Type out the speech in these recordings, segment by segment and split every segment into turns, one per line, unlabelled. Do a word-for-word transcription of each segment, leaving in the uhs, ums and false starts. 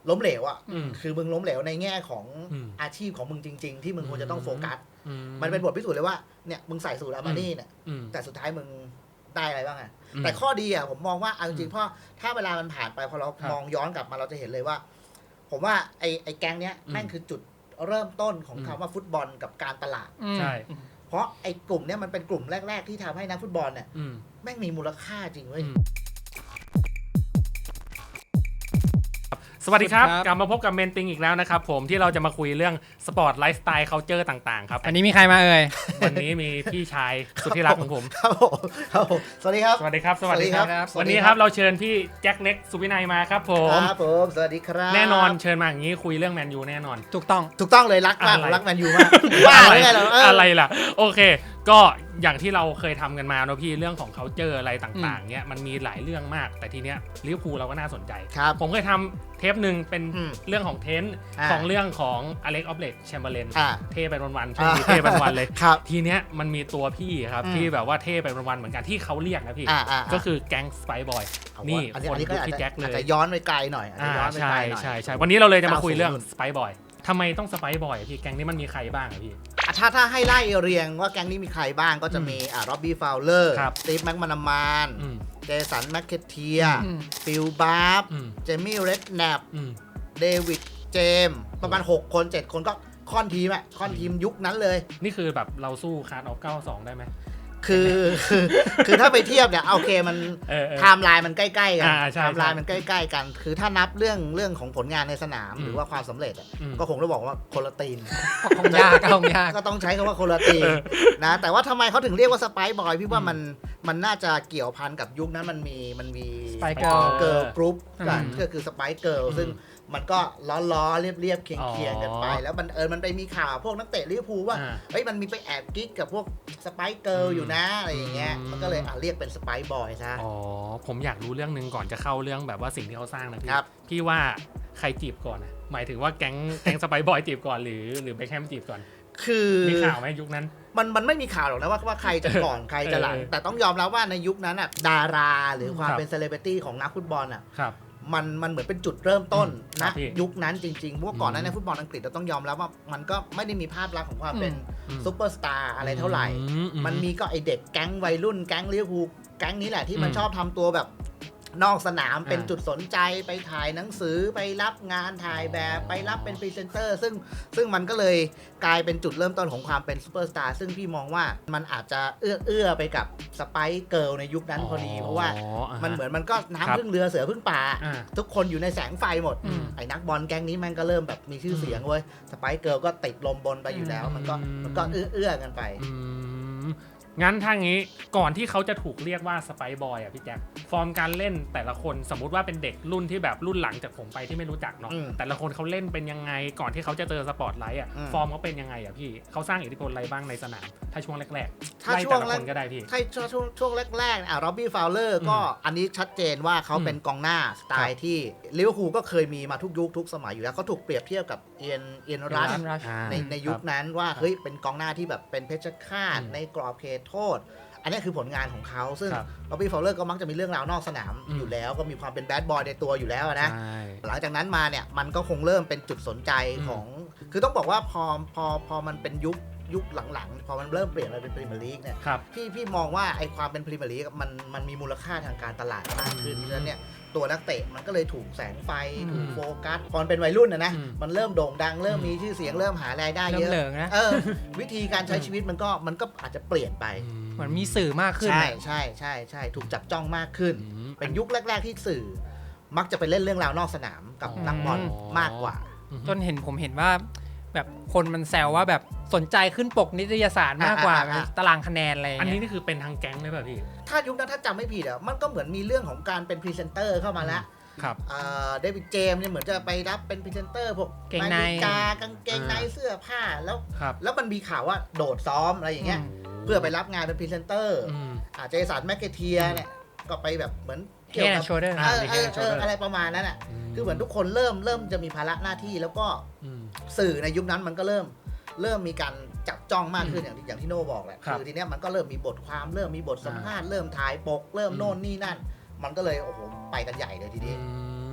ล้มเหลวอ่ะคือมึงล้มเหลวในแง่ของอาชีพของมึงจริงๆที่มึงควรจะต้องโฟกัสมันเป็นบทพิสูจน์เลยว่าเนี่ยมึงใส่สูทอาร์มานี่เนี่ยแต่สุดท้ายมึงได้อะไรบ้างอ่ะแต่ข้อดีอ่ะผมมองว่าเอาจริงๆเพราะถ้าเวลามันผ่านไปพอเรามองย้อนกลับมาเราจะเห็นเลยว่าผมว่าไอ้ไอ้แก๊งเนี้ยแม่งคือจุดเริ่มต้นของคำว่าฟุตบอลกับการตลาด
ใช่
เพราะไอ้กลุ่มเนี้ยมันเป็นกลุ่มแรกๆที่ทำให้นักฟุตบอลเนี่ยแม่งมีมูลค่าจริงเว้ย
สวัสดีครับกลับมาพบกับเมนติงอีกแล้วนะครับผมที่เราจะมาคุยเรื่องสปอร์ตไลฟ์สไตล์เคาน์เตอร์ต่างๆครับ
อันนี้มีใครมาเอ่ย
วันนี้มีพี่ชายสุดที่รักของผม
ครับผมครับผมสวัสดีครับ
สวัสดีครับสวัสดีครับวันนี้ครับเราเชิญพี่แจ็คเล็กสุวินัยมาครับผม
ครับผมสวัสดีครับ
แน่นอนเชิญมาอย่างนี้คุยเรื่องแมนยูแน่นอน
ถูกต้อง
ถูกต้องเลยรักมากรักแมนยูมากว่าอะไรเหรอ
อะไรล่ะโอเคก็อย่างที่เราเคยทำกันมาเนาะพี่เรื่องของเขาเจออะไรต่างๆเนี้ยมันมีหลายเรื่องมากแต่ทีเนี้ยลิเวอร์พูลเราก็น่าสนใจผมเคยทำเทปหนึ่งเป็นเรื่องของเทนของเรื่องของอเล็กออฟเลตแชมเบอร์เลนเท่ไปวันๆช่วงนี้เท่ไปวันๆเลยทีเนี้ยมันมีตัวพี่ครับที่แบบว่าเท่ไปวันๆเหมือนกันที่เขาเรียกนะพี่ก็คือแก๊งสไปบอยนี่คนที่แจ็คเลย
จะย้อนไปไกลหน่อย
ใช่ใช่ใช่วันนี้เราเลยจะมาคุยเรื่องสไปบอยทำไมต้องสไปบอยพี่แก๊งนี้มันมีใครบ้างอะพี่
ถ้าถ้าให้ไล่เรียงว่าแก๊งนี้มีใครบ้างก็จะมีอ่าร็อบบี้ฟาวเลอร์สตีฟแม็กมานามานเจสันแมคเคเทียฟิลบาร์ฟเจมี่เรดแนปเดวิดเจมประมาณหกคนเจ็ดคนก็ค่อนทีมอะค่อนทีมยุคนั้นเลย
นี่คือแบบเราสู้คาร์ดออฟเก้าสิบสองได้ไหม
คือคือคือถ้าไปเทียบเนี่ยโอเคมันไทม์ไลน์มันใกล้ๆกันไทม์ไลน์มันใกล้ๆกันคือถ้านับเรื่องเรื่องของผลงานในสนามหรือว่าความสำเร็จก็คงต้องบอกว่าคนละตีน
คงยากคงยาก
ก็ต้องใช้คำว่าคนละตีนนะแต่ว่าทำไมเขาถึงเรียกว่าสไปซ์บอยพี่ว่ามันมันน่าจะเกี่ยวพันกับยุคนั้นมันมีมันมี
สไปเกิร์ล
เกิร์ลกรุ๊ปกันก็คือสไปซ์เกิร์ลซึ่งมันก็ล้อๆเรียบๆเคียงๆกันไปแล้วมันเออมันไปมีข่าวพวกนักเตะลิเวอร์พูลว่าเฮ้ยมันมีไปแอบกิ๊กกับพวกสไปซ์เกิร์ลอยู่นะอะไรอย่างเงี้ยมันก็เลยอ่ะเรียกเป็นสไปซ์บอยซะ
อ๋อผมอยากรู้เรื่องนึงก่อนจะเข้าเรื่องแบบว่าสิ่งที่เขาสร้างนะพี่พี่ว่าใครจีบก่อนนะหมายถึงว่าแก๊งแก๊งสไปซ์บอยจีบก่อนหรือหรือเบคแฮมจีบก่อน
คือ
มีข่าวไหมยุคนั้น
มันมันไม่มีข่าวหรอกนะว่าว่าใครจะก่อนใครจะหลังแต่ต้องยอมรับว่าในยุคนั้นอ่ะดาราหรือความเป็นเซเลบริตี้ของนักฟุตบอลอ่ะมันมันเหมือนเป็นจุดเริ่มต้นนะยุคนั้นจริงๆเพราะว่าก่อนนั้นในฟุตบอลอังกฤษเราต้องยอมรับว่ามันก็ไม่ได้มีภาพลักษณ์ของความเป็นซุปเปอร์สตาร์อะไรเท่าไหร่มันมีก็ไอเด็กแก๊งวัยรุ่นแก๊งลิเวอร์พูลแก๊งนี้แหละที่มันชอบทำตัวแบบนอกสนามเป็นจุดสนใจไปถ่ายหนังสือไปรับงานถ่ายแบบไปรับเป็นพรีเซนเตอร์ซึ่งซึ่งมันก็เลยกลายเป็นจุดเริ่มต้นของความเป็นซูเปอร์สตาร์ซึ่งพี่มองว่ามันอาจจะเอื้อเอื้อไปกับสไปซ์เกิร์ลในยุคนั้นพอดีเพราะว่ามันเหมือนมันก็น้ำพึ่งเรือเสือพึ่งป่าทุกคนอยู่ในแสงไฟหมดไอ้นักบอลแก๊งนี้มันก็เริ่มแบบมีชื่อเสียงเว้ยสไปซ์เกิร์ลก็ติดลมบนไปอยู่แล้วมันก็มันก็เอื้อเอื้อกันไป
งั้นถ้างี้ก่อนที่เขาจะถูกเรียกว่าสไปซ์บอยอ่ะพี่แจ็คฟอร์มการเล่นแต่ละคนสมมุติว่าเป็นเด็กรุ่นที่แบบรุ่นหลังจากผมไปที่ไม่รู้จักเนาะแต่ละคนเขาเล่นเป็นยังไงก่อนที่เขาจะเจอสปอตไลท์อ่ะฟอร์มเขาเป็นยังไงอ่ะพี่เขาสร้างอิทธิพลอะไรบ้างในสนามถ้าช่วงแรกๆ
ถ้าช่วงแรก
ก็ได้พี่
ถ้าช่วงช่วงแรกๆอ่ะร็อบบี้ฟาวเลอร์ก็อันนี้ชัดเจนว่าเขาเป็นกองหน้าสไตล์ที่ลิเวอร์พูลก็เคยมีมาทุกยุคทุกสมัยอยู่แล้วเขาถูกเปรียบเทียบกับเอียนเอียนรัชในในยุคนั้นว่าเฮ้ยเป็นกองหน้าที่แบบเป็นเพชฌฆาตในกรอบเขตโทษอันนี้คือผลงานของเขาซึ่งร็อบบี้ฟาวเลอร์ก็มักจะมีเรื่องราวนอกสนามอยู่แล้วก็มีความเป็นแบดบอยในตัวอยู่แล้วนะหลังจากนั้นมาเนี่ยมันก็คงเริ่มเป็นจุดสนใจของคือต้องบอกว่าพอพอพอมันเป็นยุคยุคหลังๆพอมันเริ่มเปลี่ยนมาเป็นพรีเมียร์ลีกเนี่ยพี่พี่มองว่าไอ้ความเป็นพรีเมียร์ลีกมันมันมีมูลค่าทางการตลาดมากขึ้นเพราะฉะนั้นเนี่ยตัวนักเตะมันก็เลยถูกแสงไฟถูกโฟกัสพอเป็นวัยรุ่นนะนะมันเริ่มโด่งดังเริ่มมีชื่อเสียงเริ่มหารายได้เยอะเออวิธีการใช้ชีวิตมันก็มันก็อาจจะเปลี่ยนไป
เหมือนมีสื่อมากขึ้น
ใช่ใช่ใช่ใช่ถูกจับจ้องมากขึ้นเป็นยุคแรกๆที่สื่อมักจะไปเล่นเรื่องราวนอกสนามกับนักบอลมากกว่า
จนเห็นผมเห็นว่าแบบคนมันแซวว่าแบบสนใจขึ้นปกนิตยสารมากกว่าตารางคะแนนอะไร
อันนี้นี่คือเป็นทางแก๊งเลยป่ะพี่
ถ้ายุคนั้นถ้าจำไม่ผิดอ่ะมันก็เหมือนมีเรื่องของการเป็นพรีเซนเตอร์เข้ามาแล้ว
ครับ
เดวิดเจมส์เนี่ยเหมือนจะไปรับเป็นพรีเซนเตอร์พวกนาฬิกากางเกงในเสื้อผ้าแล้วแล้วมันมีข่าวว่าโดดซ้อมอะไรอย่างเงี้ยเพื่อไปรับงานเป็นพรีเซนเตอร์อาเจสันแมคเคเทียเนี่ยก็ไปแบบเหมือน
เกี่ยวกับ
อะไรประมาณนั้นอ่ะคือเหมือนทุกคนเริ่มเริ่มจะมีภาระหน้าที่แล้วก็สื่อในยุคนั้นมันก็เริ่มเริ่มมีการจับจ้องมากขึ้นอย่างที่อย่างที่โน่บอกแหละคือทีเนี้ยมันก็เริ่มมีบทความเริ่มมีบทสัมภาษณ์เริ่มถ่ายปกเริ่มโน่นนี่นั่นมันก็เลยโอ้โหไปกันใหญ่เลยทีนี้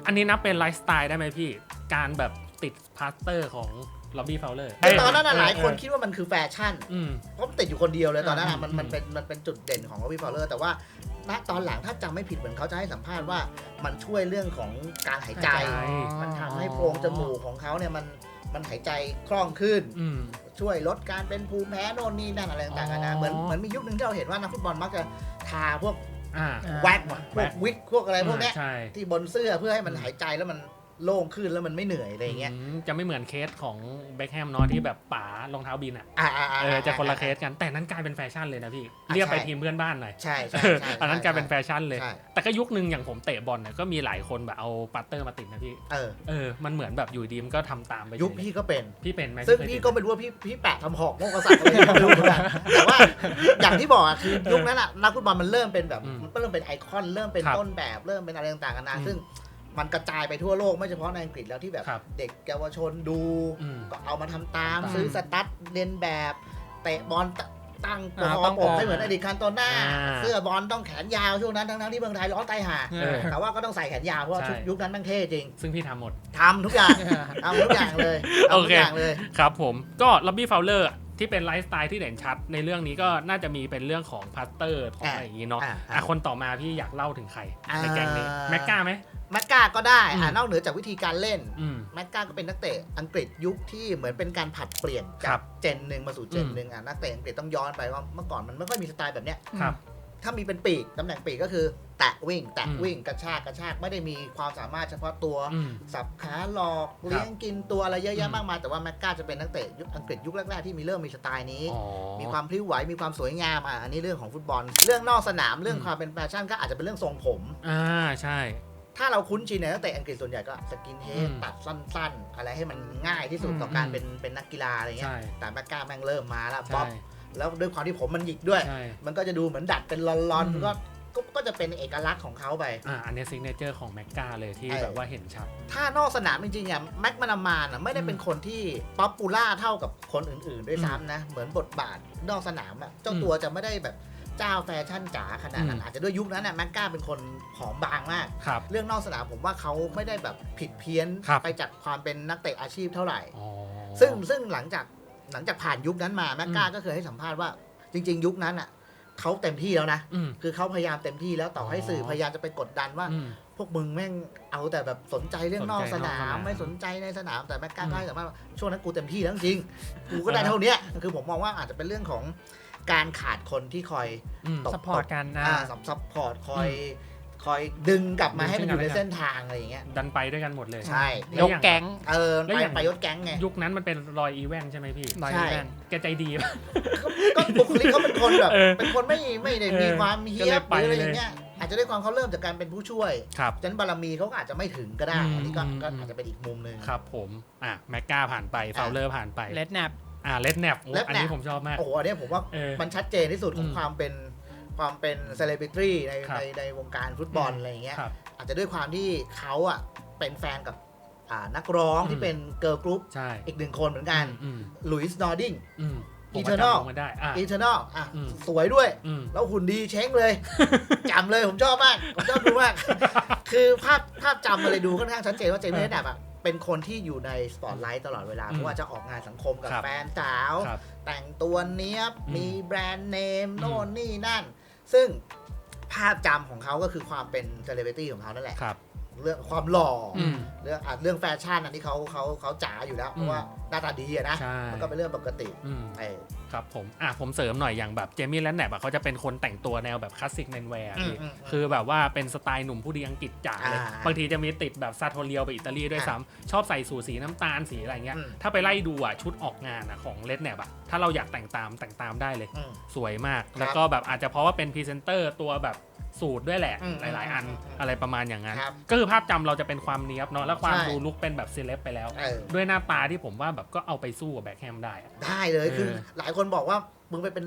อันนี้นับเป็นไลฟ์สไตล์ได้ไหมพี่การแบบติดพาสเตอร์ของล็อบบี้ฟาวเลอร์
แต่ตอนนั้นหลายคนคิดว่ามันคือแฟชั่นเพราะมันติดอยู่คนเดียวเลยตอนนั้นมันมันเป็นมันเป็นจุดเด่นของล็อบบี้ฟาวเลอร์แต่ว่าณตอนหลังถ้าจำไม่ผิดเหมือนเขาจะให้สัมภาษณ์ว่ามันช่วยเรื่องของการหายใจมันทำให้โพรงจมูกของเขาเนี่ยมันมันหายใจคล่องขึ้นช่วยลดการเป็นภูมิแพ้โน่นนี่นั่นอะไรต่างๆนะเหมือนเหมือนมียุคนึงที่เราเห็นว่านักฟุตบอลมักจะทาพวกแว็กพวกวิกพวกอะไรพวกนี้ที่บนเสื้อเพื่อให้มันหายใจแล้วมันโล่งขึ้นแล้วมันไม่เหนื่อยอะไรเงี้ย
จะไม่เหมือนเคสของเบคแฮมเนาะที่แบบป๋ารองเท้าบินอ่ะเออจะคนละเคสกันแต่นั้นกลายเป็นแฟชั่นเลยนะพี่เรียกไปทีมเพื่อนบ้านหน่อย
ใช่ใช่
อันนั้นกลายเป็นแฟชั่นเลยแต่ก็ยุคนึงอย่างผมเตะบอลเนี่ยก็มีหลายคนแบบเอาปัตเตอร์มาติดนะพี่เออเออมันเหมือนแบบอยู่ดีมก็ทำตามไป
ยุคพี่ก็เป็น
พี่เป็นไหม
ซึ่งพี่ก็ไม่รู้ว่าพี่พี่แปะทำหอกโมกษัตริย์อะไรไม่รู้เหมือนกันแต่ว่าอย่างที่บอกอ่ะคือยุคนั้นอ่ะนักฟุตบอลมันเริ่มเป็นแบบมันเริ่มเป็นไอคอนเริ่มเป็นต้นแบบเริ่มเป็นอะไรต่างๆกันนะซึ่งมันกระจายไปทั่วโลกไม่เฉพาะในอังกฤษแล้วที่แบบเด็กเยาวชนดูก็เอามาทำตามซื้อสตั๊ดเรียนแบบเตะบอลตั้งตัวปกให้เหมือนอดีตคันโตน่าเสื้อบอลต้องแขนยาวช่วงนั้นทั้งๆที่เมืองไทยร้อนตายห่าแต่ว่าก็ต้องใส่แขนยาวเพราะชุดยุคนั้นมันเท่จริง
ซึ่งพี่ทำหมด
ทำทุกอย่างทำทุกอย่างเลย
โอเคครับผมก็ล็อบบี้ฟาวเลอร์ที่เป็นไลฟ์สไตล์ที่เด่นชัดในเรื่องนี้ก็น่าจะมีเป็นเรื่องของพาสเตอร์ของอะไรอย่างนี้เนาะอ่ะคนต่อมาพี่อยากเล่าถึงใครในแก๊งนี้แม็กก้าไหม
แม็กก้าก็ได้อ่านอกเหนือจากวิธีการเล่นแม็กก้าก็เป็นนักเตะอังกฤษยุคที่เหมือนเป็นการผัดเปลี่ยนจากเจนหนึ่งมาสู่เจนหนึ่งอ่ะนักเตะอังกฤษต้องย้อนไปว่าเมื่อก่อนมันไม่ค่อยมีสไตล์แบบเนี้ยถ้ามีเป็นปีกตำแหน่งปีกก็คือแตะวิ่งแตะวิ่งกระชากกระชากไม่ได้มีความสามารถเฉพาะตัวสับขาหลอกเลี้ยงกินตัวอะไรเยอะแยะมากมายแต่ว่าแม็กก้าจะเป็นนักเตะยุคอังกฤษยุคแรกๆที่มีเริ่มมีสไตล์นี้มีความพลิ้วไหวมีความสวยงามอ่ะอันนี้เรื่องของฟุตบอลเรื่องนอกสนามเรื่องความเป็นแฟชั่นก็อาจจะเป็นเรื่องทรงผม
อ่าใช่
ถ้าเราคุ้นชินในนักเตะอังกฤษส่วนใหญ่ก็สกินเฮดตัดสั้นๆอะไรให้มันง่ายที่สุดต่อการเป็นเป็นนักกีฬาอะไรเงี้ยแต่แม็กก้าแม่งเริ่มมาแล้วบ๊อบแล้วด้วยความที่ผมมันหยิกด้วยมันก็จะดูเหมือนดัดเป็นลอนๆก็ก็จะเป็นเอกลักษณ์ของเขาไป
อ่าอันนี้ซิกเนเจอร์ของแม็กก้าเลยที่แบบว่าเห็นชัด
ถ้านอกสนามจริงๆอ่ะแม็กมานามานอ่ะไม่ได้เป็นคนที่ป๊อปปูล่าเท่ากับคนอื่นๆด้วยซ้ำนะเหมือนบทบาทนอกสนามอ่ะเจ้าตัวจะไม่ได้แบบเจ้าแฟชั่นจ๋าขนาดนั้นอาจจะด้วยยุคนั้นน่ะแม็กก้าเป็นคนผอมบางมากเรื่องนอกสนามผมว่าเขาไม่ได้แบบผิดเพี้ยนไปจากความเป็นนักเตะอาชีพเท่าไหร่ซึ่งซึ่งหลังจากหลังจากผ่านยุคนั้นมาแม็กก้าก็เคยให้สัมภาษณ์ว่าจริงๆยุคนั้นอ่ะเขาเต็มที่แล้วนะคือเขาพยายามเต็มที่แล้วต่อให้สื่อพยายามจะไปกดดันว่าพวกมึงแม่งเอาแต่แบบสนใจเรื่องนอกสนามไม่สนใจในสนามแต่แม็กก้าก็ให้สัมภาษณ์ว่าช่วงนั้นกูเต็มที่แล้วจริงกูก็ได้เท่านี้คือผมมองว่าอาจจะเป็นเรื่องของการขาดคนที่คอย
ซัพพอร์ตกัน
นะซัพพอร์ตคอยคอยดึงกลับมาให้มันอยู่ในเส้นทางอะไรอย่างเงี้ย
ดันไปด้วยกันหมดเลย
ใช่
ยกแก๊ง
เออไปไปยกแก๊งไง
ยุคนั้นมันเป็นรอยอีแวนใช่ไหมพี่
ใช่
แกใจดี
ก็บุคลิกเขาเป็นคนแบบเป็นคนไม่ไม่ได้มีความเฮี้ยบหรืออะไรอย่างเงี้ยอาจจะด้วยความเขาเริ่มจากการเป็นผู้ช่วยฉะนั้นบารมีเขาอาจจะไม่ถึงก็ได้อันนี้ก็อาจจะเป็นอีกมุมนึง
ครับผมอ่ะแม็กก้าผ่านไปฟาวเลอร์ผ่านไป
เลดแนป
อ่าเลดแนปอันนี้ผมชอบมาก
โอ้โหอันนี้ผมว่ามันชัดเจนที่สุดของความเป็นความเป็นเซเลบริตี้ในในในวงการฟุตบอลอะไรอย่างเงี้ยอาจจะด้วยความที่เขาอ่ะเป็นแฟนกับนักร้องที่เป็นเกิร์ลกรุ๊ปอีกหนึ่งคนเหมือนกันหลุยส์นอร์ดิงอีเทอร์นอลอีเทอร์นอลอ่ะสวยด้วยแล้วหุ่นดีเช้งเลยจำเลยผมชอบมากผมชอบดูมากคือภาพภาพจำมาเลยดูค่อนข้างชัดเจนว่าเจมี่เรดแนปอ่ะเป็นคนที่อยู่ในสปอตไลท์ตลอดเวลาเพราะว่าจะออกงานสังคมกับแฟนสาวแต่งตัวเนี้ยมีแบรนด์เนมโน่นนี่นั่นซึ่งภาพจำของเขาก็คือความเป็นเซเลบริตี้ของเขานั่นแหละเรื่องความหล่อเรื่องเรื่องแฟชั่นอันนี้เขาเขาเขาจ๋าอยู่แล้วเพราะว่าหน้าตาดีอะนะมันก็เป็นเรื่องปกติ
ครับผมอ่ะผมเสริมหน่อยอย่างแบบเจมี่แลนแนปอ่ะเขาจะเป็นคนแต่งตัวแนวแบบคลาสสิกแมนแวร์คือแบบว่าเป็นสไตล์หนุ่มผู้ดีอังกฤษจ๋าเลยบางทีจะมีติดแบบซาโทเรียลไปอิตาลีด้วยซ้ำชอบใส่สูทสีน้ำตาลสีอะไรเงี้ยถ้าไปไล่ดูอ่ะชุดออกงานอ่ะของเลดแนปอ่ะถ้าเราอยากแต่งตามแต่งตามได้เลยสวยมากแล้วก็แบบอาจจะเพราะว่าเป็นพรีเซนเตอร์ตัวแบบสูตรด้วยแหละหลายๆอันอะไรประมาณอย่างนั้นก็คือภาพจำเราจะเป็นความเนี้ยบเนาะแล้วความดูลุคเป็นแบบเซเลบไปแล้วด้วยหน้าตาที่ผมว่าแบบก็เอาไปสู้กับแบ็คแฮมได้
ได้เลยคือหลายคนบอกว่ามึงไปเป็น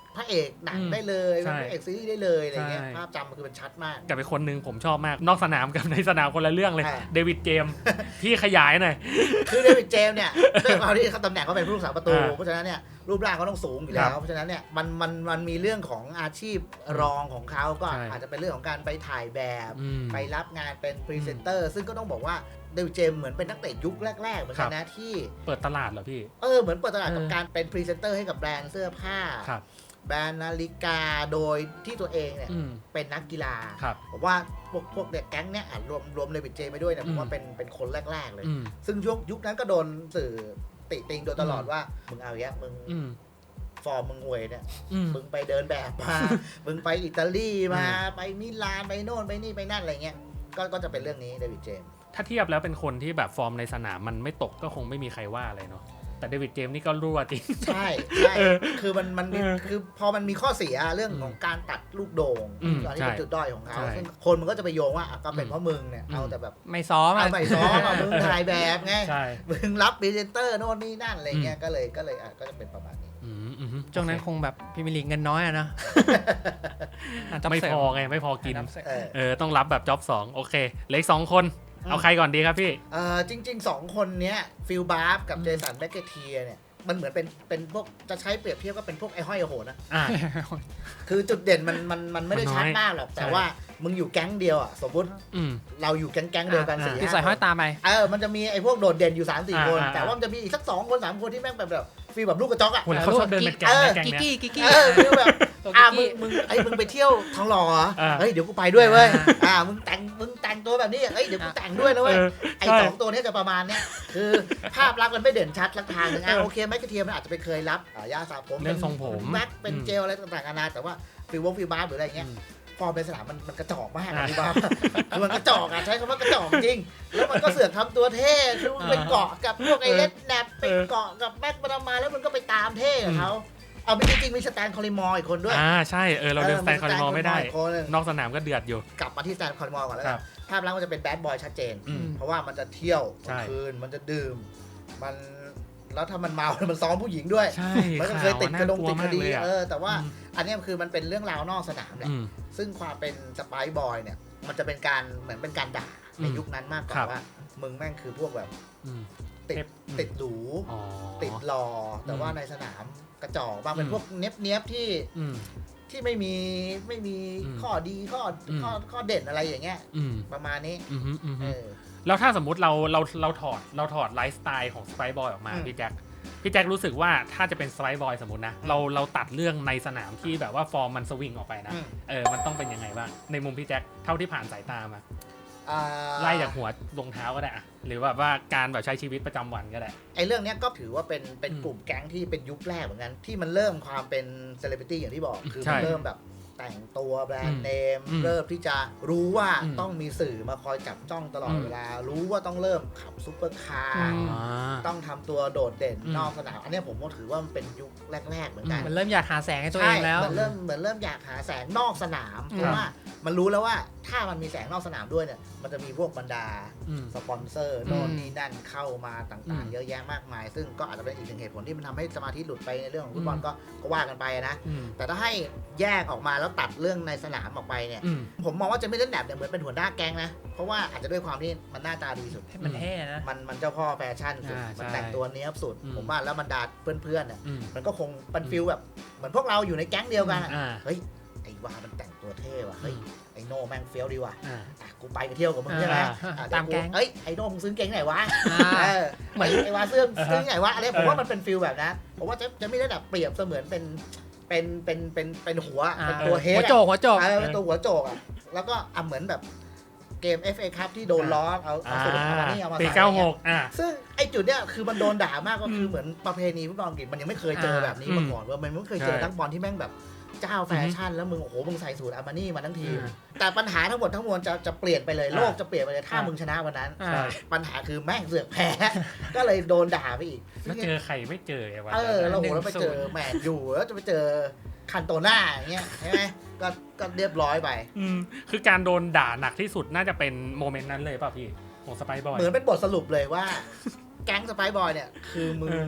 พระเอกหนังได้เลยเป็นพระเอกซีรีส์ได้เลยอะไรเงี้ยภาพจำมันคือมันชัดมาก
กับเป็นคนหนึ่งผมชอบมากนอกสนามกับในสนามคนละเรื่องเลยเดวิดเจมส์พี่ขยายหน่อย
คือเดวิดเจมส์เนี่ยด้วยความที่เขาตำแหน่งเขาเป็นผู้รักษาประตูเพราะฉะนั้นเนี่ยรูปร่างเขาต้องสูงอยู่แล้วเพราะฉะนั้นเนี่ยมันมันมันมีเรื่องของอาชีพรองของเขาก็อาจจะเป็นเรื่องของการไปถ่ายแบบไปรับงานเป็นพรีเซนเตอร์ซึ่งก็ต้องบอกว่าเดวิดเจมส์เหมือนเป็นนักเตะยุคแรกๆเหมือนกันนะที่
เปิดตลาดเหรอพี่
เออเหมือนเปิดตลาดกับการเป็นพรีเซนเตอร์ให้กับแบรนด์เสื้อผ้าแบรนด์นาฬิกาโดยที่ตัวเองเนี่ยเป็นนักกีฬาผมว่าพวกพวกเด็กแก๊งเนี่ยรวมรวมเดวิดเจมส์ไปด้วยเนี่ยผมว่าเป็นเป็นคนแรกๆเลยซึ่งยุคยุคนั้นก็โดนสื่อติติงโดยตลอดว่ามึงเอาแยะมึงฟอร์มมึงห่วยเนี่ยมึงไปเดินแบบมามึงไปอิตาลีมาไปมิลานไปโน่นไปนี่ไปนั่นอะไรเงี้ยก็ก็จะเป็นเรื่องนี้เดวิดเจมส์
ถ้าเทียบแล้วเป็นคนที่แบบฟอร์มในสนามมันไม่ตกก็คงไม่มีใครว่าอะไรเนาะแต่เดวิดเจมส์นี่ก็รั่วจริง
ใช่ใช่คือมันมันคือพอมันมีข้อเสียเรื่องของการตัดลูกโด่งตอนนี้เป็นจุดด้อยของเขาซึ่งคนมันก็จะไปโยงว่าก็เป็นเพราะมึงเนี่ยเอาแต่แบบ
ไม่ซ้อม
ไม่ซ้อมมึงถ่ายแบบไงมึงรับพรีเซนเตอร์โน่นนี่นั่นอะไรเงี้ยก็เลยก็เลยก็จะเป็นประมาณนี้
ช่วงนั้นคงแบบพรีเมียร์ลีกเงินน้อยอะนะ
ไม่พอไงไม่พอกินเออต้องรับแบบจ็อบสองโอเคเหลืออีกสองคนเอาใครก่อนดีครับพี่
เออจริงๆสองคนเนี้ยฟิลบาร์ฟกับเจสันแบคเกเทียเนี่ยมันเหมือนเป็นเป็นพวกจะใช้เปรียบเทียบก็เป็นพวกไอ้ห้อยไอ้โหนนะคือจุดเด่นมันมันมันไม่ได้ชัดมากหรอกแต่ว่ามึงอยู่แก๊งเดียวอ่ะสมมติเราอยู่แก๊งแก๊งเดียวกันสี่
ที่ใส่ห้อยตาไป
เออมันจะมีไอ้พวกโดดเด่นอยู่ สามสี่ คนแต่ว่ามันจะมีอีกสักสองคนสามคนที่แม่งแบบแบบฟีลแบบลูกกระจอกอ่ะ
เขาชอบเดินเป็นแก๊งแก๊ง
กิ๊กกิ๊กกิ๊ก
เออฟีลแบบอ่ะมึงมึงไอ้มึงไปเที่ยวทองหล่อเหรอเฮ้ยเดี๋ยวกูไปด้วยเว้ยอ่ามึงแต่งมึงแต่งตัวแบบนี้เฮ้ยเดี๋ยวกูแต่งด้วยนะเว้ยไอ้สองตัวนี้จะประมาณเนี้ยคือภาพลักษณ์มันไม่เด่นชัดลักทางนึงอ่ะโอเคแมคกระเทียมมันอาจจะไปเคยรับยาสระผม
เป็นทรงผม
แม็กเป็นเจลอะไรต่างๆนานาแต่ว่าฟิลวงฟิลบาร์หรืออะไรเงี้ยฟอร์มในสนามมันมันกระจอกมากฟิลบาร์คือมันกระจอกอ่ะใช้คำว่ากระจอกจริงแล้วมันก็เสือกทำตัวเท่คือไปเกาะกับพวกไอ้เล็ดแนบไปเกาะกับแม็กมามาแล้วมันก็ไปตามเท่กับเขาเอาจริงๆมีสแตนคอลิมอร์อีกคนด้วย
อ่าใช่เออเราเดินสแตนคอลิมอร์ไม่ได้นอกสนามก็เดือดอยู่
กลับมาที่สแตนคอลิมอร์ก่อนแล้วกันภาพลักษณ์มันจะเป็นแบดบอยชัดเจนเพราะว่ามันจะเที่ยวกลางคืนมันจะดื่มมันแล้วถ้ามันเมามันซ้อมผู้หญิงด้วยมันก็เคยติดกระดงติดคดีเออแต่ว่าอันนี้คือมันเป็นเรื่องราวนอกสนามแหละซึ่งความเป็นสไปซ์บอยเนี่ยมันจะเป็นการเหมือนเป็นการด่าในยุคนั้นมากกว่าว่ามึงแม่งคือพวกแบบติดติดหรูติดหล่อแต่ว่าในสนามกระจอกบางเป็นพวกเนี้ยบเนี้ยบที่ที่ไม่มีไม่มีข้อดีข้อข้อข้อเด่นอะไรอย่างเงี้ยประมาณนี้
แล้วถ้าสมมุติเราเราเราถอดเราถอดไลฟ์สไตล์ของสไปซ์บอยออกมาพี่แจ็คพี่แจ็ครู้สึกว่าถ้าจะเป็นสไปซ์บอยสมมตินะเราเราตัดเรื่องในสนามที่แบบว่าฟอร์มมันสวิงออกไปนะเออมันต้องเป็นยังไงบ้างในมุมพี่แจ็คเท่าที่ผ่านสายตามาไล่จากหัวรองเท้าก็ได้หรือว่าว่าการแบบใช้ชีวิตประจำวันก็ได้
ไอ้เรื่องนี้ก็ถือว่าเป็นเป็นกลุ่มแก๊งที่เป็นยุคแรกเหมือนกันที่มันเริ่มความเป็นเซเลบริตี้อย่างที่บอกคือมันเริ่มแบบแต่งตัวแบรนด์เนมเริ่มที่จะรู้ว่าต้องมีสื่อมาคอยจับจ้องตลอดเวลารู้ว่าต้องเริ่มขับซุปเปอร์คาร์ต้องทำตัวโดดเด่นนอกสนามอันนี้ผมก็ถือว่ามันเป็นยุคแรกๆเหมือนกัน
มันเริ่มอยากหาแสงให้ตัวเองแล้ว
มันเริ่มเหมือนเริ่มอยากหาแสงนอกสนามเพราะว่ามันรู้แล้วว่าถ้ามันมีแสงนอกสนามด้วยเนี่ยมันจะมีพวกบรรดาสปอนเซอร์โน่นนี่นั่นเข้ามาต่างๆเยอะแยะมากมายซึ่งก็อาจจะเป็นอีกหนึ่งเหตุผลที่มันทำให้สมาธิหลุดไปในเรื่องของฟุตบอลก็ก็ว่ากันไปนะแต่ถ้าให้แยกออกมาแล้วตัดเรื่องในสนามออกไปเนี่ยผมมองว่าจะไม่เล่นแบบเนี่ยเหมือนเป็นหัวหน้าแก๊งนะเพราะว่าอาจจะด้วยความที่มันหน้าตาดีสุด
มันเท่นะ
มันมันเจ้าพ่อแฟชั่นสุดมันแต่งตัวเนี้ยสุดผมว่าแล้วบรรดาเพื่อนๆเนี่ยมันก็คงเป็นฟิลแบบเหมือนพวกเราอยู่ในแก๊งเดียวกันเฮ้ยไอ้ว่ามันแต่งตัวเท่ว่ะเฮ้ยไอ้โน่แม่งเฟี้ยวดีว่ะกูไปกันเที่ยวกับมึงใช่ไหม
ตามแก๊ง
เฮ้ยไอ้โน่มึงซื้อเก่งไหนวะเหมือนไอ้ว่าเสื้อซื้อไหนวะอะไรผมว่ามันเป็นฟิลแบบนั้นผมว่าจะจะไม่ได้แบบเปรียบเสมือนเป็นเป็นเป็นเป็นเป็นหัวเป็นตัวเฮด
หัวโจกหัวโจก
เป็นตัวหัวโจกอ่ะแล้วก็อ่ะเหมือนแบบเกม เอฟ เอ Cup ที่โดนล้อเอาเอาสูตรเอามานี่เอามาใส่
ปีเก้าหกอ่ะ
ซึ่งไอ้จุดเนี้ยคือมันโดนด่ามากก็คือเหมือนประเพณีฟุตบอลอังกฤษมันยังไม่เคยเจอแบบนี้มาก่อนว่ามันไม่เคยเจอนักบอลที่แม่งแบบเจ้าแฟชั่นแล้วมึงโอ้โหมึงใส่สูตรอามานี่มาทั้งทีแต่ปัญหาทั้งหมดทั้งมวลจะจะเปลี่ยนไปเลยโลกจะเปลี่ยนไปเลยถ้ามึงชนะวันนั้นปัญหาคือแม่งเสือกแพ้ก็เลยโดนด่าไปอีก
แล้วเจอใครไม่เจอไอ้วัน
เออเราโหแล้วไปเจอแมนยูแล้วจะไปเจอคันโตน่าอย่างเงี้ยใช่ไหมก็ก็เรียบร้อยไป
อืมคือการโดนด่าหนักที่สุดน่าจะเป็นโมเมนต์นั้นเลยป่ะพี่ของสไปซ์บอย
เหมือนเป็นบทสรุปเลยว่าแก๊งสไปซ์บอยเนี่ยคือมึงแบบ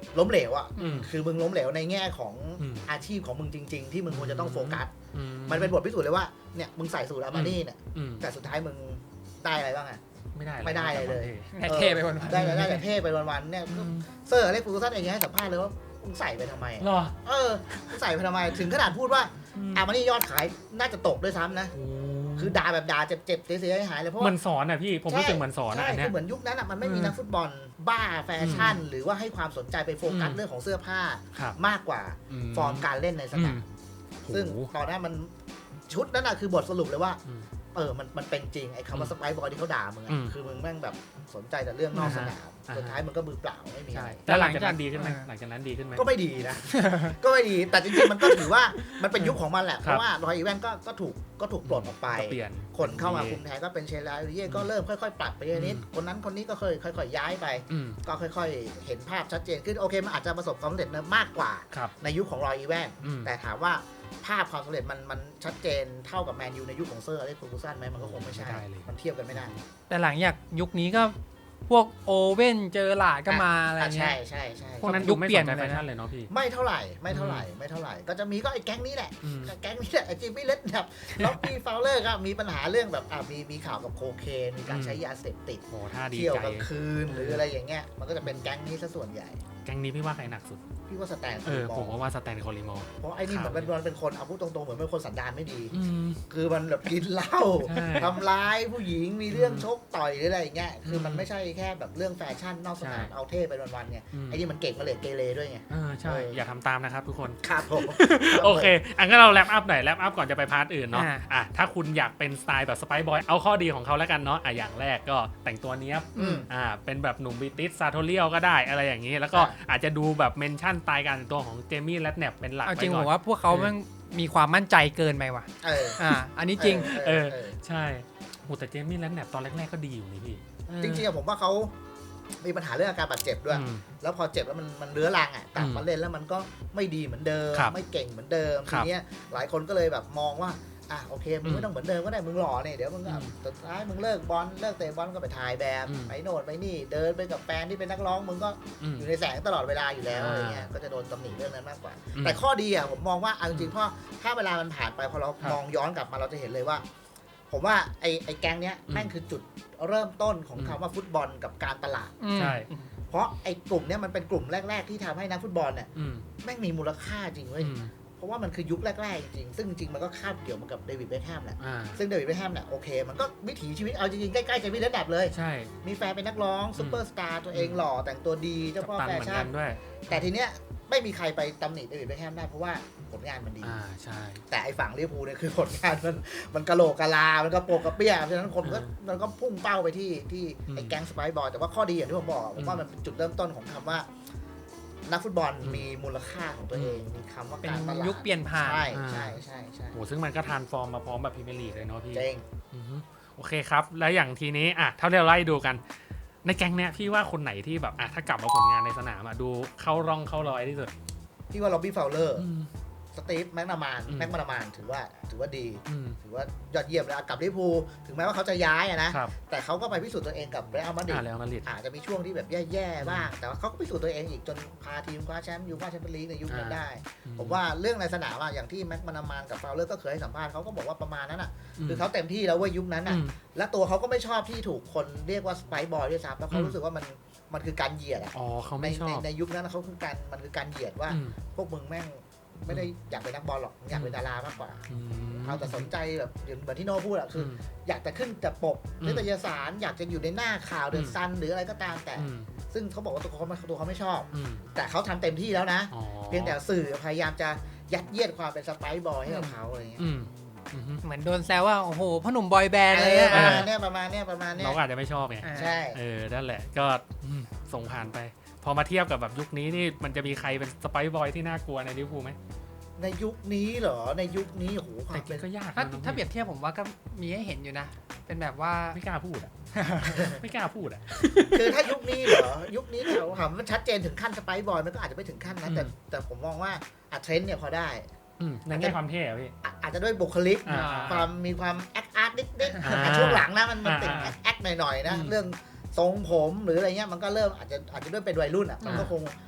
ล้มเหลวอ่ะ
อืม
คือมึงล้มเหลวในแง่ของ
อืม
อาชีพของมึงจริง ๆ ที่มึงควรจะต้องโฟกัส
อื
มันเป็นบทพิสูจน์เลยว่าเนี่ยมึงใส่สูตรอามานี่เนี่ย
อืม
แต่สุดท้ายมึงได้อะไรบ้างอ่ะ
ไม่ได้
ไม่ได้อะไรเลย
ให้เท่ไปวันๆ
ได้ได้แต่เท่ไปวันๆเนี่ย
อืม
เซอร์อเล็กซ์ เฟอร์กูสันเองยังให้สัมภาษณ์เลยว่ามึงใส่ไปทำไม
หรอ
เออมึงใส่ไปทำไมถึงขนาดพูดว่า
อืม
อามานี่ยอดขายน่าจะตกด้วยซ้ำนะ
โอ้
คือด่าแบบด่าเจ็บๆเสียหายๆเลยเพราะ
เหมื
ว่า
อนสอนอ่ะพี่ผมรู้สึกเหมือนสอนอะ
ใช่
อันเนี้
คื
ย
อเหมือนยุคนั้นอ่ะมันไม่มี
อืม
นักฟุตบอลบ้าแฟชั่น
อืม
หรือว่าให้ความสนใจไปโฟกัส
อืม
เรื่องของเสื้อผ้า
ครับ
มากกว่าฟอร์มการเล่นในสนาม ซึ่ง
โอ้โห
ตอนนั้นมันชุดนั้นน่ะคือบทสรุปเลยว่า
อืม
เออมันมันเป็นจริงไอ้คำว่าสไปร์บอยที่เขาด่ามึง
อื
อะ
ม
คือมึงแม่งแบบสนใจแต่เรื่องนอกสนาม
อ่าฮะ
สุดท้ายมึงก็มือเปล่าไม่มี
ใช่
อะไร
แต่หลังจากนั้น
แต่หลังจาก
ดีขึ้นไหม
เออ
หลังจากนั้นดีขึ้นไหม
ก็ไม่ดีนะ ก็ไม่ดีแต่จริงๆมันก็ถือว่ามันเป็นยุคของมันแหละ
ค
เพ
รับ
ราะว่ารอยอีแวนก็ก็ถูกก็ถูกปลดออกไป
ก็เปลี่ยน
คนเข้ามาคุมแทนก็เป็นเชลลาเย่ก็เริ่มค่อยๆ ปรับไปนิด
อืม
คนนั้นคนนี้ก็เคยค่อยๆย้ายไป
อืม
ก็ค่อยๆ เห็นภาพชัดเจนขึ้นโอเคมันอาจจะประสบความสำเร็จมากกว่า
ครับ
ในยุคของรอยอีแวน
อืม
แต่ถามว่าภาพความสำเร็จมันมันชัดเจนเท่ากับแมนยูในยุคของเซอร์อเล็กซ์ เฟอร์กูสันไหมมันก็คงไม่ใช่
ไม่ได้เลย
มันเทียบกันไม่ได้
แต่หลังจากยุคนี้ก็พวกโอเว่นเจอหลาดก็มาอะไร
อ่ะ
เงี้
ใช่
ย
ใช่ใช่
พวกนั้น
ยุ
ดู
ค
ไม่
เปลี่
ส
ยน
นใจ
ไป
แฟ
เลยนะ
ชั่นเลยเนาะพี่
ไม่เท่าไหร่ไม่เท่าไหร่ไม่เท่าไหร่ก็จะมีก็ไอ้แก๊งนี้แหละ แก๊งนี้แหละไอ้จิมมี่เลดแบบล็อกกี้ฟาวเลอร์ก็มีปัญหาเรื่องแบบอ่ะมีมีข่าวกับโคเคนมีการใช้ยาเสพติด
โหท่าดี
เที่ยว
ใจ
กลางคืนหรืออะไรอย่างเงี้ยมันก็จะเป็นแก๊งนี้ซะส่วนใหญ่
แก๊งนี้พี่ว่าใครหนักสุด
พี่ว่าสแตน
เออ
ม
ผมก็ว่าสแตนคอริมอร์
เพราะไอ้นี่เหมือนมันมันเป็นคนเอาพูดตรงๆเหมือนเป็นคนสันดานไม่ดี
อืม
คือมันแบบกินเหล้า
ใช่
ทำร้ายผู้หญิงมีเรื่อง
อืม
ชกต่อยหรืออะไรอย่างเงี้ยคือมัน
อืม
ไม่ใช่แค่แบบเรื่องแฟชั่นนอกสนาม
ใช่
เอาเท่ไปวันๆไง
อืม
ไอ้นี่มันเก่งมาเลยเกเรด้วยไง
เออใช่
เออ
อ
อ
ย่าทำตามนะครับทุกคน
ครับผม
โอเค อันก็เราแรปอัพหน่อยแรปอัพก่อนจะไปพาร์ทอื่นเนาะ
อ่า
อ่ะถ้าคุณอยากเป็นสไตล์แบบสไปบอยเอาข้อดีของเขาแล้วกันเนาะอ่ะอย่างแรกก็แต่งตัวเนี้ยบ
อืม
อ่าเป็นแบบหนุ่มบริติสซาโทเรียลก็ได้อะไรอย่างนี้ แล้วก็
ใช่
อาจจะดูแบบเมนชั่นสไตล์การแต่งตัวของเจมี่และแนบเป็นหลัก
เอา
ไป
จริง
ก่
ผ
อน
มว่าพวกเขาแม่งมีความมั่นใจเกินไปว่ะ
เออ
อ่า อันนี้จริง
เออ
เออ ใช่โหแต่เจมี่และแนบตอนแรกๆก็ดีอยู่นี่พี่
จริงๆอะผมว่าเขามีปัญหาเรื่องอาการบาดเจ็บด้วย
อืม
แล้วพอเจ็บแล้วมันมันเรื้อรังอ่ะกลับ
อืม
มาเล่นแล้วมันก็ไม่ดีเหมือนเดิม
ครับ
ไม่เก่งเหมือนเดิม
ค
ที
รับ
เนี้ยหลายคนก็เลยแบบมองว่าอ่ะโอเคมึง
อืม
ไม่ต้องเหมือนเดิมก็ได้มึงหล่อเนี่ยเดี๋ยวมึงก็
อืม
สุดท้ายมึงเลิกบอลเลิกเตะบอลก็ไปถ่ายแบบ
อืม
ไปโน่นไปนี่เดินไปกับแฟนที่เป็นนักร้องมึงก็
อืม
อยู่ในแสงตลอดเวลาอยู่แล้ว
อ่า
อะไรเงี้ยก็จะโดนตำหนิเรื่องนั้นมากกว่า
อืม
แต่ข้อดีอ่ะผมมองว่าเอาจริงๆเพราะถ้าเวลามันผ่านไปพอเรา
ครับ
มองย้อนกลับมาเราจะเห็นเลยว่า ผมว่าไอ้ไอ้แก๊งเนี้ย
อืม
แม่งคือจุดเริ่มต้นของ
อืม
คำว่าฟุตบอลกับการตลาด
ใช่
เพราะไอ้กลุ่มเนี้ยมันเป็นกลุ่มแรก ๆ ที่ทำให้นักฟุตบอลเนี่ย
อืม
แม่งมีมูลค่าจริงเว้ย
อืม
เพราะว่ามันคือยุคแรก ๆ จริงๆซึ่งจริงๆมันก็คาบเกี่ยวมากับเดวิดเบคแฮมแหละ
อ่า
ซึ่งเดวิดเบคแฮมเนี่ยโอเค มันก็วิถีชีวิตเอาจริงๆใกล้ๆจะมีระดับเลย
ใช่
มีแฟนเป็นนักร้องซุปเปอร์สตาร์ตัวเองหล่อแต่งตัวดีเจ้า
กัป
พ่อ
ตัน
แฟ
เหมือน
ชั่
กัน นด้วย
แต่ทีเนี้ยไม่มีใครไปตำหนิเดวิดเบคแฮมได้เพราะว่าผลงานมันดี
อ่าใช่
แต่ไอ้ฝั่งลิเวอร์พูลเนี่ยคือผลงานมันมันกะโหลกกะลา มันก็โปกกระเปี้ยเพราะฉะนั้นคนก็
อืม
มันก็พุ่งเป้าไปที่ที่
อืม
ไอ้แก๊งสไปร์บอยแต่ว่าข้อดีอย่างที่ผมบอกผมว่า
อืม
มันเป็นจุดเริ่มต้นของคำว่า นักฟุตบอล
อืม
มีมูลค่าของตัวเอง มีคำว่า
เป็น
การตลาด
ยุคเปลี่ยนผ่าน
ใช่
อ่า
ใช่ใช่ใช่
โหซึ่งมันก็ทรานส์ฟอร์มมาพร้อมแบบพรีเมียร์ลีกเลยเนาะพี่
เจ๋ง
อือฮึโอเคครับ แล้วอย่างทีนี้อ่ะเท่าที่เราไล่ดูกัน ในแก๊งเนี้ยพี่ว่าคนไหนที่แบบอ่ะถ้ากลับมาผลงานในสนามอ่ะดูเข้าร่องเข้ารอยที่สุด
พี่ว่าล็อบบี้ฟาวเลอร์
อืม
สตีฟแม็กนามาน
อืม
แม็กนามานถือว่าถือว่าดี
อืม
ถือว่ายอดเยี่ยมเลยอ่ะกับลิเวอร์พูลถึงแม้ว่าเขาจะย้ายอะนะ
ครับ
แต่เขาก็ไปพิสูจน์ตัวเองกับเรอัลมาดริ
อ่า
ด
แล้วมาดริด
อาจจะมีช่วงที่แบบแย่ๆบ้าง แต่ว่าเขาก็พิสูจน์ตัวเองอีกจนพาทีมคว้าแชมป์ยูฟ่าแชมเปี้ยนลีกในยุคนั้น
อ่า
ได้ ผมว่าเรื่องในสนามอะอย่างที่แม็กมานามานกับฟาวเลอร์ก็เคยให้สัมภาษณ์เขาก็บอกว่าประมาณนั้นอ่ะคือเขาเต็มที่แล้วเว้ยยุคนั้น
อื
อ่ะ
ม
และตัวเขาก็ไม่ชอบที่ถูกคนเรียกว่าสไปร์บอยด้วยซ้ำแล้วเขา
อืม
รู้สึกว่ามันมันคือการเหยียดอ่ะ
อ๋อเขา
ใน
ไม่ชอ
ใน
บ
ในยุคนั้นเขาคือการมันคือการเหยียดว่า
อืม
พวกมึงแม่งไม่ได้อยากเป็นนักบอลหรอกอยากเป็นดารามากกว่า
อืม
เอาแต่สนใจแบบเหมือนที่โน่พูดอะคือ
ม
อยากจะขึ้นแต่ปก
อืม
นิตยสารอยากจะอยู่ในหน้าข่าวเด
อื
อะ
ม
ซันหรืออะไรก็ตามแต่
อืม
ซึ่งเขาบอกว่าตัวเขาไม่ตัวเขาไม่ชอบ
อืม
แต่เขาทำเต็มที่แล้วนะ
อ๋อ
เพียงแต่สื่อพยายามจะยัดเยียดความเป็นสไปร์บอยให้กับเขาอะไรเงี้ย
อืมอืมฮึ
เหมือนโดนแซวว่า โอ้โหพ่อหนุ่มบอยแบนด์
เอ
อะไร
อ
เงี้ย
ประมาณเนี้ยประมาณเนี้ยประมาณเนี้ย
เราก็อาจจะไม่ชอบไง
อ่า
ใช่
เออ นั่นแหละ ก็อืมส่งผ่านไป พอมาเทียบกับแบบยุคนี้นี่ มันจะมีใครเป็นสไปร์บอยที่น่ากลัวในลิเวอร์พูลไหม
ในยุคนี้เหรอในยุคนี้โอ้โหควา
แต่
มเป็น
ก็ยาก
ถ้า
นะ
ถ้าเปรียบเทียบผมว่าก็มีให้เห็นอยู่นะ เป็นแบบว่า
ไม่กล้าพูดอ่ะ ไม่กล้าพูดอ่ะ
คือถ้ายุคนี้เหรอยุคนี้เราถามมันชัดเจนถึงขั้นสไปร์บอยมันก็อาจจะไม่ถึงขั้นนะแต่
อืม
แต่ผมมองว่าอะเทรนด์เนี่ยพอได้
อืมในแง่ความเท่อะพี่
อ่ะอาจจะด้วยบุคลิก
อ่า
ความมีความแอคอาร์ตนิดๆ
อ่า
แต่ช่วงหลังนะมันมันติด
อ่า
แอคหน่อยๆนะ
อืม
เรื่องทรงผมหรืออะไรเงี้ยมันก็เริ่มอาจจะอาจจะด้วยเป็นวัยรุ่นอ่ะมันก็
อ่า
คงต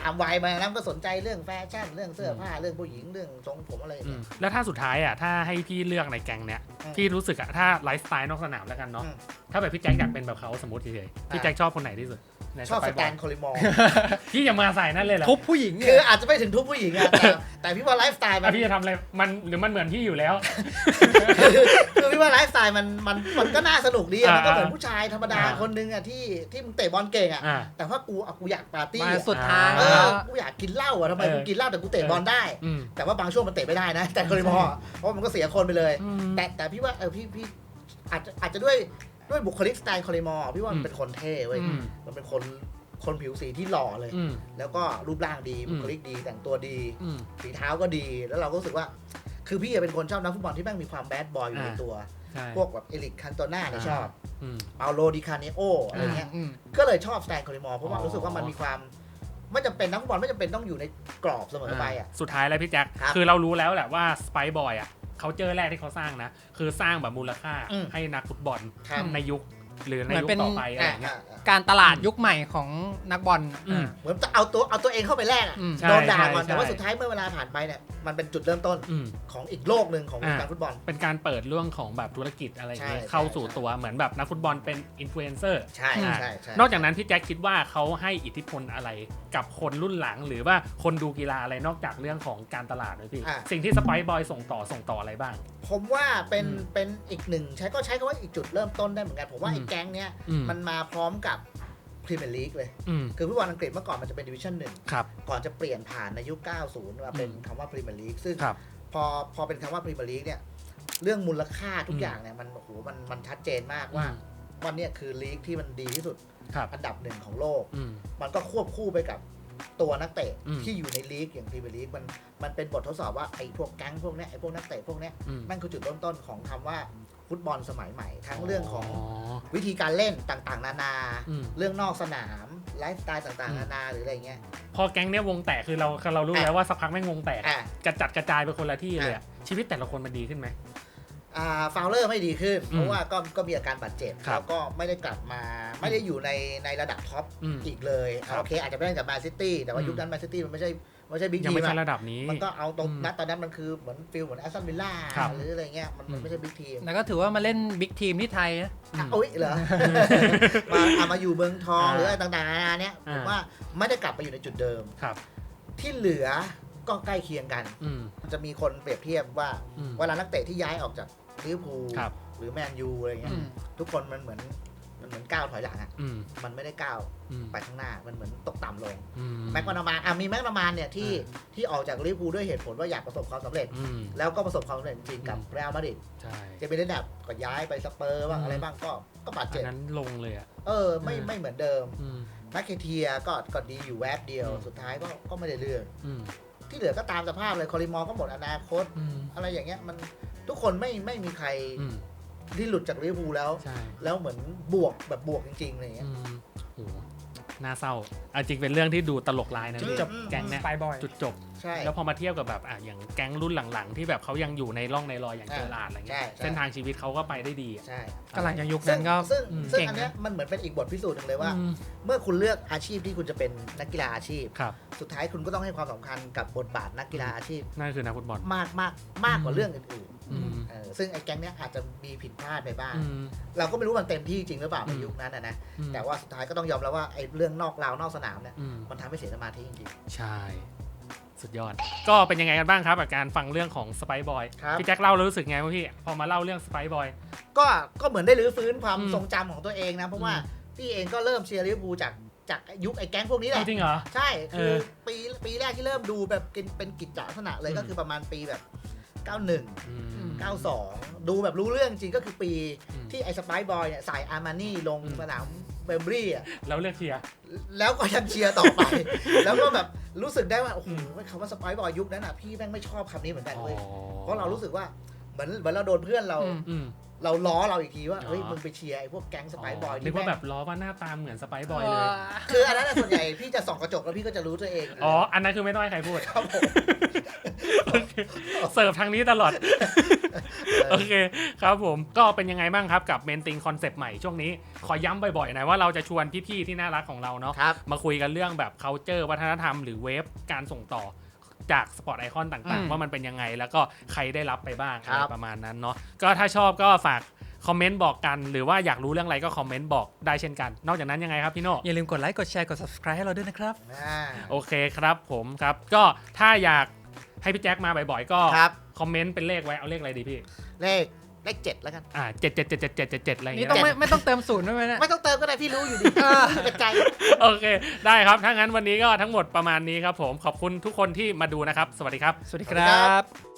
ามวัยมาแล้วก็สนใจเรื่องแฟชั่นเรื่องเสื้อผ้าเรื่องผู้หญิงเรื่องทรงผมอะไรอย่าง
อื
เงี้
ม
ย
แล้วถ้าสุดท้ายอ่ะถ้าให้พี่เลือกในแก๊งเนี้ย
อืม
พี่รู้สึกอ่ะถ้าไลฟ์สไตล์นอกสนามแล้วกันเนาะ
อืม
ถ้าแบบพี่แจ็คอยากเป็นแบบเขาสมมติเฉยๆพี่แจ็คชอบคนไหนที่สุดใน
ชอบ
ไป
ส
บ
แต
อล
นโคลิมอร์
พี่อย่ามาใส่นั่นเลยเหรอ
ทุบผู้หญิง
คือ
เนี่ย
อาจจะไม่ถึงทุกผู้หญิงอะแต่แต่พี่ว่าไลฟ์สไตล์มั
อ่ะ
น
พี่จะทำอะไรมันหรือมันเหมือนพี่อยู่แล้ว
คือพี่ว่าไลฟ์สไตล์มันมันมันก็น่าสนุกดีอะ
อ่า
มันก็เหมือนผู้ชายธรรมดา
อ่า
คนนึงอะที่ที่มึงเตะบอลเก่งอะ
อ่า
แต่ว่ากูอะกูอยากปาร์ตี้
มา
อะ
สุดทาง
เอ
แล้
อ
ว
กูอยากกินเหล้าอะทำไม
เออ
กูกินเหล้าแต่กูเตะบอลได้
อืม
แต่ว่าบางช่วงมันเตะไม่ได้นะ แต่โคลิมอร์อะเพราะมันก็เสียคนไปเลย
อืม
แต่แต่พี่ว่าเออพี่พี่อาจจะอาจจะด้วยด้วยบุคลิกสไตล์โคลิมอร์พี่ว่า
อื
มัน
ม
เป็นคนเท่เว้ย
อืม
มันเป็นคนคนผิวสีที่หล่อเลย
อืม
แล้วก็รูปร่างดี
อืม
บุคลิกดีแต่งตัวดี
อืม
ฝีเท้าก็ดี แล้วเราก็รู้สึกว่า คือพี่เป็นคนชอบนักฟุตบอลที่แม่งมีความแบดบอยอยู่ใน
อ่า
ตัว
ใช่
พวกแบบเอริกคันโตน่าเนี่ยชอบ
อืม
เปาโลดิคาเนโออะไรเงี้ย
อืม
ก็เลยชอบสไตล์โคลิมอร์เพราะว่า
อ๋อ
รู้สึกว่ามันมีความไม่จำเป็นนักฟุตบอลไม่จำเป็นต้องอยู่ในกรอบเสมอไปอ่ะ
สุดท้ายแล้วพี่แจ็ค
ครับ
คือเรารู้แล้วแหละว่าสไปบอยอ่ะเขาเจอแรกที่เขาสร้างนะ คือสร้างแบบมูลค่า
อืม
ให้นักฟุตบอล
ครับ
ในยุคหรือใน
เหมือน
ยุค
เป็น
ต่อไปอะไร
อ่า
อย่างเงี้ย
อ่า
การตลาดยุคใหม่ของนักบอล
อืม
เหมือนเอาตัวเอาตัวเองเข้าไปแลกอะ
อืม
ใช่
โดนด่าก่อน
ใช่
แต่ว่า
ใช่
สุดท้ายเมื่อเวลาผ่านไปเนี่ยมันเป็นจุดเริ่มต้น
อืม
ของอีกโลกหนึ่งของวงการ
อ่า
ฟุตบอล
เป็นการเปิดเรื่องของแบบธุรกิจอะไรอย่างเงี้ย
ใช่
เข้าสู่
ใช่
ตัวเหมือนแบบนักฟุตบอลเป็นอินฟลูเอนเซอร์
ใช่
อ่า
ใช่ใช่
นอกจากนั้นพี่แจ็คคิดว่าเขาให้อิทธิพลอะไรกับคนรุ่นหลัง หรือว่าคนดูกีฬาอะไรนอกจากเรื่องของการตลาดเลยพี่
อ่า
สิ่งที่สไปบอยส่งต่อส่งต่ออะไรบ้าง
ผมว่าเป็น
อืม
เป็นอีกหนึ่งใช้ก็ใช้คำว่าอีกจุดเริ่มต้นได้เหมือนกันผมว่า
อืม
ไอ้แก๊งเนี้ย
อืม
มันมาพร้อมกับพรีเมียร์ลีกเลย
อืม
คือฟุตบอลอังกฤษเมื่อก่อนมันจะเป็นดิวิชั่นหนึ่ง
ครับ
ก่อนจะเปลี่ยนผ่านในยุค เก้าสิบ มาเป็น
อืม
คำว่าพรีเมียร์ลีกซึ่ง
ครับ
พอพอเป็นคำว่าพรีเมียร์ลีกเนี่ยเรื่องมูลค่าทุ
อื
ก
ม
อย่างเนี่ยมันโอ้โหมันมันชัดเจนมากว่าวันเนี้ยคือลีกที่มันดีที่สุด
ครับ
อันดับหนึ่งของโลก
อืม
มันก็ควบคู่ไปกับตัวนักเตะ
อืม
ที่อยู่ในลีกอย่างพรีเมียร์ลีกมันมันเป็นบททดสอบว่าไอ้พวกแก๊งพวกเนี้ยไอ้พวกนักเตะพวกเนี้ย
อืม
แม่งคือจุดเริ่มต้นของคำว่าฟุตบอลสมัยใหม่ ทั้งเรื่องของ
อ๋อ
วิธีการเล่นต่างๆ นานา
อืม
เรื่องนอกสนามไลฟ์สไตล์ต่างๆ นานาหรืออะไรเงี้ย
พอแก๊งเนี้ยวงแตกคือเราเรารู้
อ่ะ
แล้วว่าสักพักแม่งวงแตก
อ่ะ
กระจัดกระจายไปคนละที่เลยอะ
อ่ะ
ชีวิตแต่ละคนมันดีขึ้นไหม
อ่าฟาวเลอร์ไม่ดีขึ้น
อืม
เพราะว่าก็ก็มีอาการบาดเจ็บ
ครับ
แล้วก็ไม่ได้กลับมาไม่ได้อยู่ในในระดับท็อป
อืม
อีกเลย
ครับ
โอเคอาจจะไม่ได้กับแมนซิตี้แต่ว่า
อืม
ยุคนั้นแมนซิตี้มันไม่ใช่ไม่ใช่บิ๊ก
ยัง
ที
ไม่
ม
ใช่
อะ
ระดับนี้
มันก็เอาตรง
อืม
นัดตอนนั้นมันคือเหมือนฟิลเหมือนแอสตันวิลล่า
ครับ
หรืออะไรเงี้ยมัน
อื
มัน
ม
ไม่ใช่บิ๊กทีม
แล้วก็ถือว่ามาเล่นบิ๊กทีมที่ไทยนะ
อืม
โอ้ยเหรอ มาเอามาอยู่เมืองทอง
อ่า
หรืออะไรต่างๆนานาเนี้ยผ
อ่า
มว่าไม่ได้กลับไปอยู่ในจุดเดิม
ครับ
ที่เหลือก็ใกล้เคียงกัน
อืม
จะมีคนเปรียบเทียบว่า
อืม
เวลานักเตะที่ย้ายออกจากลิเวอร์พูล
ครับ
หรือแมนยูอะไรเงี้ย
อืม
ทุกคนมันเหมือนมันเหมือนก้าวถอยหลังอะ
อืม
มันไม่ได้ก้าว
อืม
ไปข้างหน้ามันเหมือนตกต่ำลง
อืม
แม็กมานามานอ่ะมีแม็กมานามานเนี่ยที่
อ่
ที่ออกจากลิเวอร์พูลด้วยเหตุผลว่าอยากประสบความสำเร็จ
อืม
แล้วก็ประสบความสำเร็จจริงๆกับ
อืม
เรอัลมาดริด
ใช่
เจมิเนดับก็ย้ายไปสเปอร์บ้าง
อืม
อะไรบ้างก็ก็บาด
อั
เจ็
น
บ
นั้นลงเลยอ่ะ
เออไม่
อืม
ไม่เหมือนเดิม
อืม
นักเคเทียก็ก็ดีอยู่แวบเดียว
อืม
สุดท้ายก็ก็ไม่ได้เรื่อง
อืม
ที่เหลือก็ตามสภาพเลยคอริมอร์ก็หมดอนาคต
อืม
อะไรอย่างเงี้ยมันทุกคนไม่ไม่มีใคร
อืม
ที่หลุดจากลิเวอร์พูลแล้ว
ใช่
แล้วเหมือนบวกแบบบวกจริงๆอะไรเงี้ย
อืมโหน่าเศร้าเอาจริงเป็นเรื่องที่ดูตลกลายนะ
จุด
พี่
จบ
แก๊งเนี้ย
ไปบ่อย
จุดจบ
ใช่
แล้วพอมาเทียบกับแบบอ่ะอย่างแก๊งรุ่นหลังๆ ที่แบบเขายังอยู่ในร่องในรอยอย่าง
อ่า
เจอราร์ดอะไรเงี้ย
ใช่ใช่
เส้นทางชีวิตเขาก็ไปได้ดีอะ
ใช่
ก็หลังจากยุค
ซึ่
นั้
ง
นก็
ซึ่ง
อืม
ซึ่ง
เก่ง
อันเนี้ย
นะ
มันเหมือนเป็นอีกบทพิสูจน์หนึ่งเลยว่า
อืม
เมื่อคุณเลือกอาชีพที่คุณจะเป็นนักกีฬาอาชีพ
ครับ
สุดท้ายคุณก็ต้องให้ความสำคัญกับบทบาทนักกีฬาอาชีพ
นั่นคือนักฟุตบอล
มากมากมากกว่าเรื่องอื่น
อืม
ๆเออซึ่งไอ้แก๊งเนี้ยอาจจะมีผิดพลาดไปบ้าง
อืม
เราก็ไม่รู้มันเต็มที่จริงหรือเปล่าใน
อืม
ยุคนั้นนะนะ
อืม
แต่ว่าสุดท้ายก็ต้องยอมรับว่าไอ้เรื่องนอกราวนอกสนามเนี่ย
อืม
มันทำให้เสียสมาธิจริง
ใช่ สุดยอด ก็เป็นยังไงกันบ้างครับกับการฟังเรื่องของสไปบอย
ครับ
พี่แจ็คเล่าแล้วรู้สึกไงวะพี่ พอมาเล่าเรื่องสไปบอย
ๆก็ก็เหมือนได้รื้อฟื้นความ
อืม
ทรงจำของตัวเองนะ เพราะว่า
อืม
พี่เองก็เริ่มเชียร์ลิเวอร์พูลจากจากยุคไอ้แก๊งพวกนี้แหละ
จริงเหรอ
ใช่คือ
เออ
ปีปีแรกที่เริ่มดูแบบเป็นเป็นกิจจลักษณะเลย
อืม
ก็คือประมาณปีแบบ เก้าสิบเอ็ด
อืม
เก้าสิบสอง ดูแบบรู้เรื่องจริงก็คือปี
อืม
ที่ไอ้สไปซ์บอยเนี่ยใส่อาร์มานี่ลง
อืม
สนามเบมบรีอ่ะ
แล้วเลือกเชียร์
แล้วก็ยังเชียร์ต่อไป แล้วก็แบบรู้สึกได้ว่าโอ้โหคำว่าสไปซ์บอยยุคนั้นอ่ะพี่แม่งไม่ชอบคำนี้เหมือนกันเว้ยเพราะเรารู้สึกว่าเหมือนเหมือนเราโดนเพื่อนเรา
อืม
อืม
เราล้อเราอีกทีว่า
อ๋อ
เฮ้ยมึงไปเชียร์ไอ้พวกแก๊งสไปซ์บอย
นึ
ที่
กว่า
แม่ง
แบบล้อว่าหน้าตาเหมือนสไปบอยเลย
คืออันนั้นนะส่วนใหญ่พี่จะส่องกระจกแล้วพี่ก็จะรู้ตัวเอง
อ๋อ อันนั้นคือไม่ต้องให้ใครพูด
ครับผม
เสิร์ฟทางนี้ตลอดโอเคครับผมก็เป็นยังไงบ้างครับกับเมนติงคอนเซปต์ใหม่ช่วงนี้ขอย้ำบ่อยๆหน่อยว่าเราจะชวนพี่ๆที่น่ารักของเราเนาะมาคุยกันเรื่องแบบ culture วัฒนธรรมหรือเวฟการส่งต่อจากสปอร์ตไอคอนต่างๆว่ามันเป็นยังไงแล้วก็ใครได้รับไปบ้างอะไรประมาณนั้นเนาะก็ถ้าชอบก็ฝากคอมเมนต์บอกกันหรือว่าอยากรู้เรื่องอะไรก็คอมเมนต์บอกได้เช่นกันนอกจากนั้นยังไงครับพี่โน่
อย่าลืมกดไลค์กดแชร์กด subscribe ให้เราด้วยนะครับ
โอเคครับผมครับก็ถ้าอยากให้พี่แจ็คมาบ่อยๆก็คอมเมนต์เป็นเลขไว้เอาเลขอะไรดีพี่
เลขเลขเจ็ดแล้วกัน
อ่าเจ็ดเจ็ดเจ็ดเจ็ดเจ็ดเจ็ดเจ็ดอะไรอย่างเงี้ย
นี่ต้องไม่ไม่ต้องเติมศูนย์ด้วยไหมเนี่ย
ไม่ต้องเติมก็ได้พี่รู้อยู่ดีเป็นใจ
โอเคได้ครับถ้างั้นวันนี้ก็ทั้งหมดประมาณนี้ครับผมขอบคุณทุกคนที่มาดูนะครับสวัสดีครับ
สวัสดีครับ